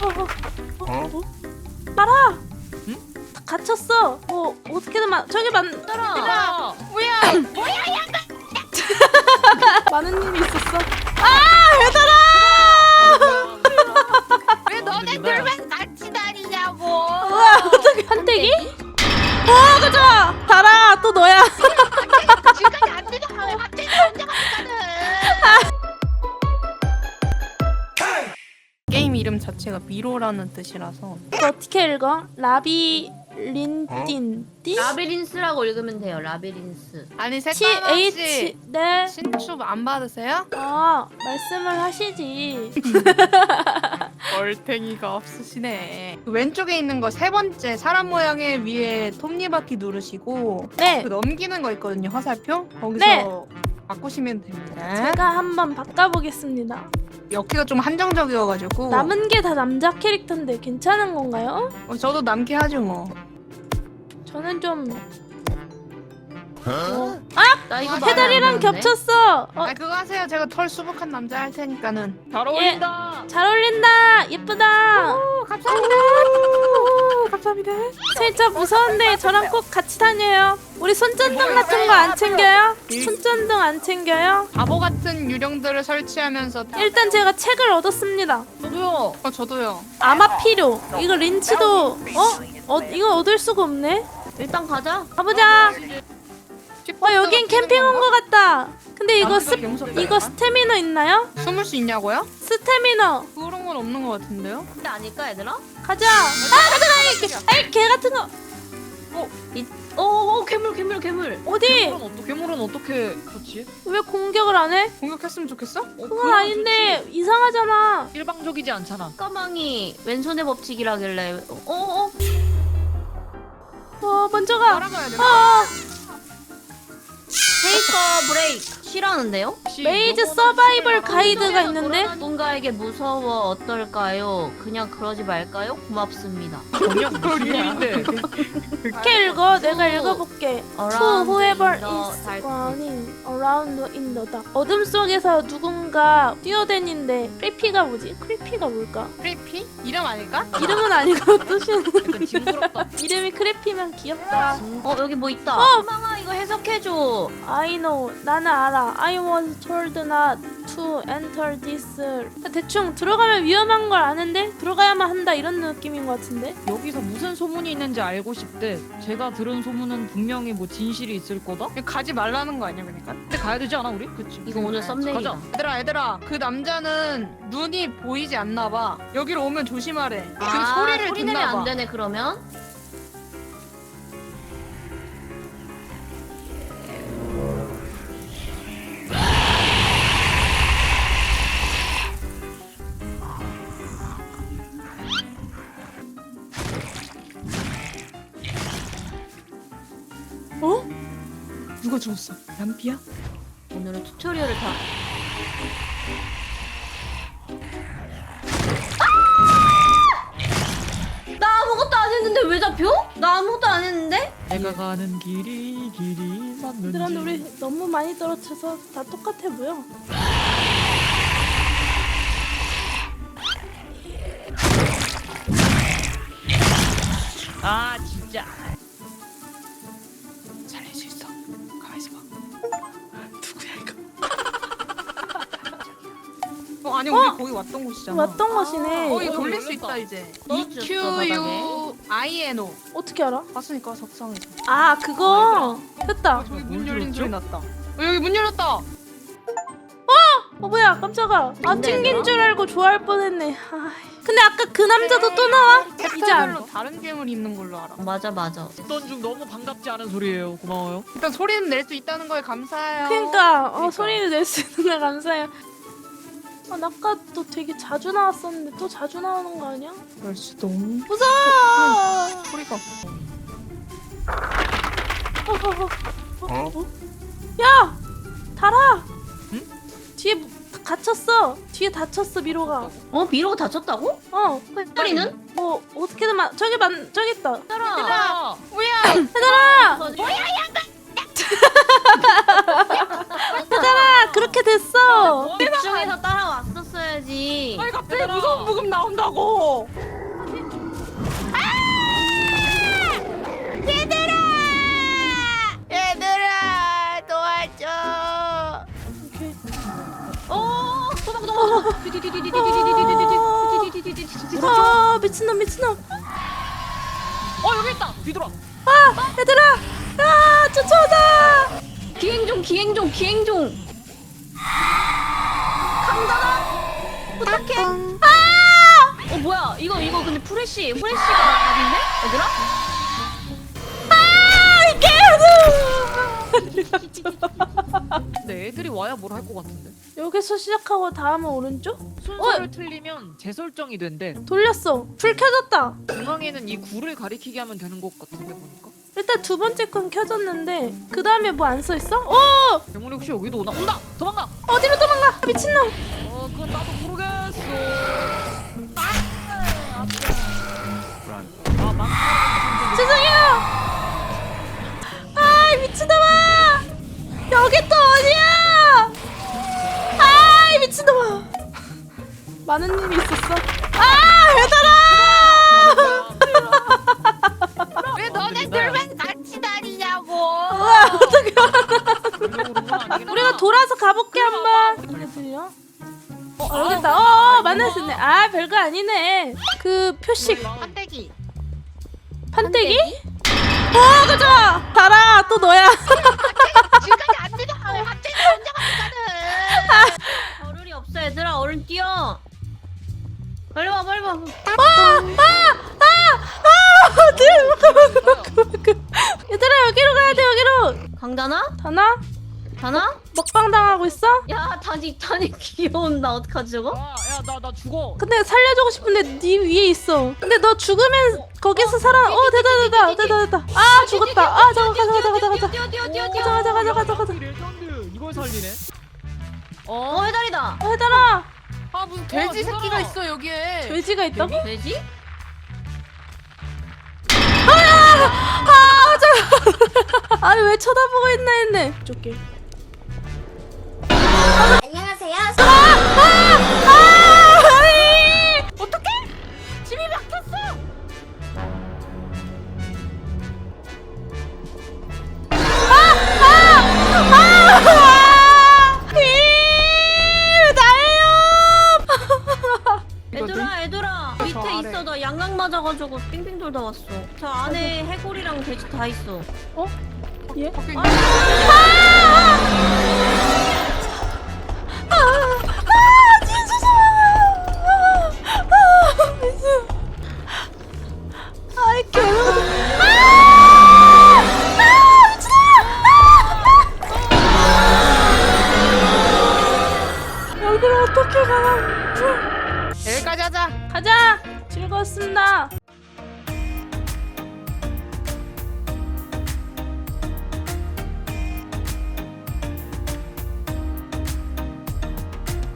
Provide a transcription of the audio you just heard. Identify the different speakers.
Speaker 1: 말아.
Speaker 2: 응?
Speaker 1: 갇혔어. 어떻게든 저기
Speaker 3: 얘들아
Speaker 2: 뭐야?
Speaker 1: 많은 일이 있었어.
Speaker 3: 왜 너네들만 같이 다니냐고.
Speaker 1: 우와, 어떻게 한때기? 가자. 달아, 또 너야.
Speaker 3: 지금까지 안 되잖아. 왜 갑자기 혼자 가니까는.
Speaker 2: 게임 이름 자체가 미로라는 뜻이라서
Speaker 1: 이거 어떻게 읽어? 라비린틴.
Speaker 3: 라비린스라고 읽으면 돼요. 라비린스.
Speaker 2: 아니 색깔
Speaker 1: TH.
Speaker 2: 없이
Speaker 1: 네.
Speaker 2: 신축 안 받으세요?
Speaker 1: 말씀을 하시지.
Speaker 2: 얼탱이가 없으시네. 그 왼쪽에 있는 거 세 번째 사람 모양의 위에 톱니바퀴 누르시고
Speaker 1: 네.
Speaker 2: 그 넘기는 거 있거든요. 화살표 거기서
Speaker 1: 네.
Speaker 2: 바꾸시면 됩니다.
Speaker 1: 제가 한번 바꿔보겠습니다.
Speaker 2: 여기가 좀 한정적이어가지고
Speaker 1: 남은 게 다 남자 캐릭터인데 괜찮은 건가요?
Speaker 2: 저도 남게 하죠 뭐.
Speaker 1: 저는 좀
Speaker 3: 나 이거
Speaker 1: 페달이랑 겹쳤어.
Speaker 2: 아 그거 하세요. 제가 털 수북한 남자 할 테니까는.
Speaker 4: 잘 어울린다.
Speaker 1: 잘 어울린다. 예쁘다.
Speaker 2: 감사합니다. 감사합니다.
Speaker 1: 진짜 무서운데 저랑 꼭 같이 다녀요. 우리 손전등 같은 거 안 챙겨요? 손전등 안 챙겨요?
Speaker 2: 바보 같은 유령들을 설치하면서
Speaker 1: 일단 제가 책을 얻었습니다.
Speaker 4: 저도요.
Speaker 2: 저도요.
Speaker 1: 아마 필요. 이거 린치도 이거 얻을 수가 없네.
Speaker 3: 일단 가자.
Speaker 1: 가보자. 여긴 캠핑 온 거 같다. 근데 이거 이거 스태미너 있나요?
Speaker 2: 숨을 수 있냐고요?
Speaker 1: 스태미너.
Speaker 2: 그런 건 없는 것 같은데요?
Speaker 3: 근데 아닐까 얘들아?
Speaker 1: 가자. 가자. 개 같은 거.
Speaker 3: 괴물.
Speaker 1: 어디?
Speaker 4: 괴물은 어떻게 그렇지?
Speaker 1: 왜 공격을 안 해?
Speaker 2: 공격했으면 좋겠어?
Speaker 1: 그건 아닌데 이상하잖아.
Speaker 4: 일방적이지 않잖아.
Speaker 3: 까망이 왼손의 법칙이라길래.
Speaker 1: 먼저 가.
Speaker 2: 따라가야 되나?
Speaker 3: 테이커 브레이크 싫어하는데요?
Speaker 1: 메이즈 서바이벌 가이드가 있는데
Speaker 3: 누군가에게 무서워 어떨까요? 그냥 그러지 말까요? 고맙습니다.
Speaker 4: 전혀 무슨 일인데?
Speaker 1: 이렇게 읽어. 내가 읽어볼게. To whoever
Speaker 3: in the
Speaker 1: is
Speaker 3: dark.
Speaker 1: running around in the dark. 어둠 속에서 누군가 뛰어다니는데 크리피가 뭐지? 크리피가 뭘까?
Speaker 2: 크리피? 이름 아닐까?
Speaker 1: 이름은 아니고 뜻은
Speaker 4: 약간 징그럽다.
Speaker 1: 이름이 크리피면 귀엽다.
Speaker 3: 여기 뭐 있다. 까망아 이거 해석해줘.
Speaker 1: I know. 나는 알아. I was told not to enter this. 대충 들어가면 위험한 걸 아는데 들어가야만 한다 이런 느낌인 것 같은데.
Speaker 4: 여기서 무슨 소문이 있는지 알고 싶대. 제가 들은 소문은 분명히 뭐 진실이 있을 거다.
Speaker 2: 가지 말라는 거 아니야 그러니까?
Speaker 4: 근데 가야 되지 않아 우리? 그치.
Speaker 3: 이거 오늘 썸네일이다.
Speaker 4: 가자.
Speaker 2: 얘들아 그 남자는 눈이 보이지 않나 봐. 여기로 오면 조심하래. 그 소리를
Speaker 3: 소리
Speaker 2: 듣나
Speaker 3: 내면
Speaker 2: 봐.
Speaker 3: 안 되네 그러면.
Speaker 2: 누가 죽었어? 람피야?
Speaker 3: 오늘은 튜토리얼을 다. 나 아무것도 안 했는데 왜 잡혀? 나 아무것도 안 했는데?
Speaker 4: 내가 가는 길이
Speaker 1: 얘들아,
Speaker 4: 맞는지.
Speaker 1: 우리 너무 많이 떨어져서 다 똑같아 보여.
Speaker 4: 아 진짜.
Speaker 2: 살릴 수 있어. 가만히 있어봐. 누구야 이거? 아니 우리 거기 왔던 곳이잖아.
Speaker 1: 왔던 곳이네.
Speaker 2: 거기
Speaker 4: 어,
Speaker 2: 돌릴 수
Speaker 4: 열렸다.
Speaker 2: 있다 이제.
Speaker 3: 떨어뜨렸어,
Speaker 2: EQUINO.
Speaker 1: 어떻게 알아?
Speaker 2: 봤으니까 적성에서.
Speaker 1: 그거 됐다.
Speaker 2: 저기 문
Speaker 4: 뭔
Speaker 2: 열린
Speaker 4: 소리였죠?
Speaker 2: 소리 났다. 여기 문 열렸다.
Speaker 1: 뭐야, 깜짝아. 안
Speaker 3: 근데
Speaker 1: 튕긴
Speaker 3: 얘들아?
Speaker 1: 줄 알고 좋아할 뻔했네. 근데 아까 그 남자도 또 나와? 이제
Speaker 2: 섹터별로
Speaker 1: 알아.
Speaker 2: 다른 괴물이 있는 걸로 알아.
Speaker 3: 맞아.
Speaker 4: 듣던 중 너무 반갑지 않은 소리예요. 고마워요.
Speaker 2: 일단 소리는 낼 수 있다는 거에 감사해요.
Speaker 1: 그러니까 소리를 낼 수 있는 걸 감사해요. 아까 또 되게 자주 나왔었는데 또 자주 나오는 거 아니야?
Speaker 2: 그럴 수도.
Speaker 1: 무서워.
Speaker 2: 소리가.
Speaker 1: 야, 달아.
Speaker 4: 응?
Speaker 1: 뒤에 갇혔어. 뒤에 다쳤어 미로가.
Speaker 3: 미로가 다쳤다고? 소리는?
Speaker 1: 뭐 어떻게든 저기 있다.
Speaker 3: 얘들아.
Speaker 2: 뭐야?
Speaker 1: 얘들아,
Speaker 3: 뭐야?
Speaker 1: 얘들아, 그렇게 됐어.
Speaker 3: 집중해서 따라왔었어요. 있어야지.
Speaker 2: 아니 갑자기 무서운 부금 나온다고. 얘들아 도와줘.
Speaker 1: 오케이.
Speaker 3: 도망.
Speaker 1: 아 미친놈 미친놈.
Speaker 4: 여기 있다. 뒤돌아.
Speaker 1: 아 얘들아. 아 쫓아오다.
Speaker 3: 기행종.
Speaker 1: 부탁해.
Speaker 3: 뭐야? 이거 근데 후레쉬가 답인데? 얘들아?
Speaker 4: 근데 애들이 와야 뭘 할 것 같은데.
Speaker 1: 여기서 시작하고 다음은 오른쪽?
Speaker 4: 순서를 틀리면 재설정이 된대.
Speaker 1: 돌렸어. 불 켜졌다.
Speaker 4: 중앙에는 이 굴을 가리키게 하면 되는 것 같은데 보니까.
Speaker 1: 일단 두 번째 건 켜졌는데 그 다음에 뭐 안 써 있어? 오!
Speaker 4: 괴물이 혹시 여기도 오나? 온다! 도망가!
Speaker 1: 어디로 도망가? 미친놈!
Speaker 4: 그건 나도 모르겠어.
Speaker 1: 죄송해요! 아이 미친놈아! 여기 또 어디야? 아이 미친놈아! 많은 일이 있었어. 아! 얘들아!
Speaker 2: 왜 너네들만 같이 다니냐고.
Speaker 1: 와 어떡해. 우리가 돌아서 가볼게 한번. 이게 들려? 여기 있다. 만났었네. 아 별거 아니네. 그 표식
Speaker 2: 판때기.
Speaker 1: 판때기? 가자. 달아 또 너야.
Speaker 2: 지금까지 안 되잖아. 갑자기 혼자 가니까는.
Speaker 3: 겨를이 없어 얘들아. 얼른 뛰어. 빨리 와.
Speaker 1: 얘들아 여기로 가야 돼 여기로.
Speaker 3: 강다나?
Speaker 1: 다나? 먹방 당하고 있어?
Speaker 3: 야 다니 귀여운다. 어떡하지 저거?
Speaker 4: 나 죽어.
Speaker 1: 근데 살려주고 싶은데 네 위에 있어. 근데 너 죽으면 거기서 살아. 됐다. 아 죽었다. 아 잠깐 가자.
Speaker 4: 레전드. 이걸 살리네.
Speaker 3: 해달이다.
Speaker 1: 해달아.
Speaker 2: 아 무슨 돼지
Speaker 4: 얘들아.
Speaker 2: 새끼가 있어 여기에.
Speaker 1: 돼지가 있다고?
Speaker 3: 돼지?
Speaker 1: 아니 왜 쳐다보고 있나 했네. 쫓게.
Speaker 5: 안녕하세요.
Speaker 1: 어떡해? 집이 막혔어.
Speaker 3: 얘들아 밑에
Speaker 2: 아래.
Speaker 3: 있어. 나 양각 맞아가지고 빙빙 돌다 왔어. 저 안에 해골이랑 돼지 다 있어.
Speaker 1: 예?
Speaker 2: 밖에
Speaker 1: 아이 괴로워. 여기를 어떻게 가나?
Speaker 2: 여기까지 하자.
Speaker 1: 가자. 즐거웠습니다.